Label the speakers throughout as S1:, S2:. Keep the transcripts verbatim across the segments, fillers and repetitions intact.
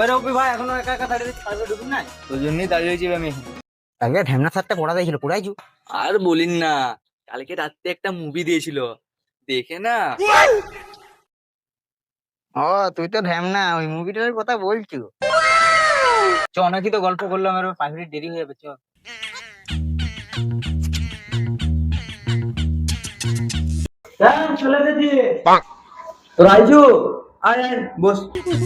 S1: ওই রবি ভাই এখনো একা একা দাঁড়িয়ে পাশে ঢুকুন নাই,
S2: ওই জন্যই দাঁড়িয়ে রয়েছি আমি।
S1: আগে ঢ্যামনা সারটা পড়া দিয়েছিল, পড়াইছু?
S2: আর বলিন না, কালকে রাত্রে একটা মুভি দিয়েছিল, দেখে না
S1: ও তুই তো ঢ্যামনা, ওই মুভিটার কথা বলছু। চ অনেকই তো গল্প করলাম, আর পাঁচ মিনিট দেরি হয়ে যাবে, চ। চলে এসেছি তোর, আইছু? আয় আয় বস।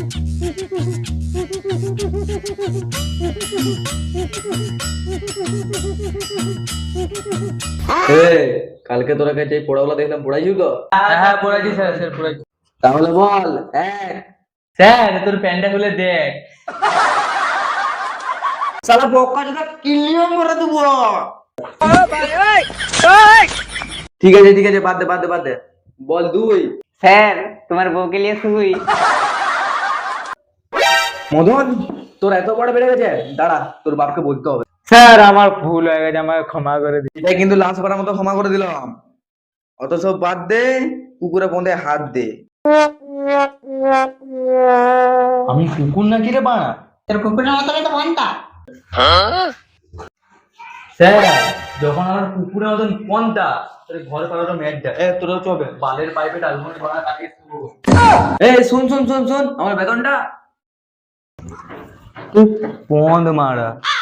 S2: কালকে তোরা কাছে পড়াগুলো দেখলাম, পড়াইছু তো?
S1: হ্যাঁ হ্যাঁ পড়াইছি স্যার, স্যার পড়াইছি।
S2: তাহলে বল এক।
S1: স্যার তোর প্যান্টটা খুলে দেখ। শালা বক্কা যেটা কিলিও করে দেবো।
S2: ঠিক আছে ঠিক আছে, বাদ দে বাদ দে বাদ দে, বল দুই।
S1: স্যার তোমার বউকে নিয়ে শুই।
S2: মদন, তোর এত বড় বেড়ে গেছে, দাঁড়া তোর বাপকে বলতে হবে।
S1: স্যার আমার ভুল হয়ে গেছে, আমাকে ক্ষমা করে দিন।
S2: এটাই কিন্তু লাঞ্চ করার মতো ক্ষমা করে দিলাম। অত সব বাদ দে, কুকুরে পন্দে হাত দে। আমি কুকুর নাকি রে বাড়া?
S1: তোর কুকুরের মতো তো মনটা।
S2: স্যার যখন আমার কুকুরের মতন পন্থা, তোর ঘরে পাঠানো ম্যাটটা এ তোর চবে বালের পাইপে ডালমুড়ি বানা কাটিয়ে শুরু। এই শুন শুন শুন শুন, আমার বেতনটা পন্দ মারা।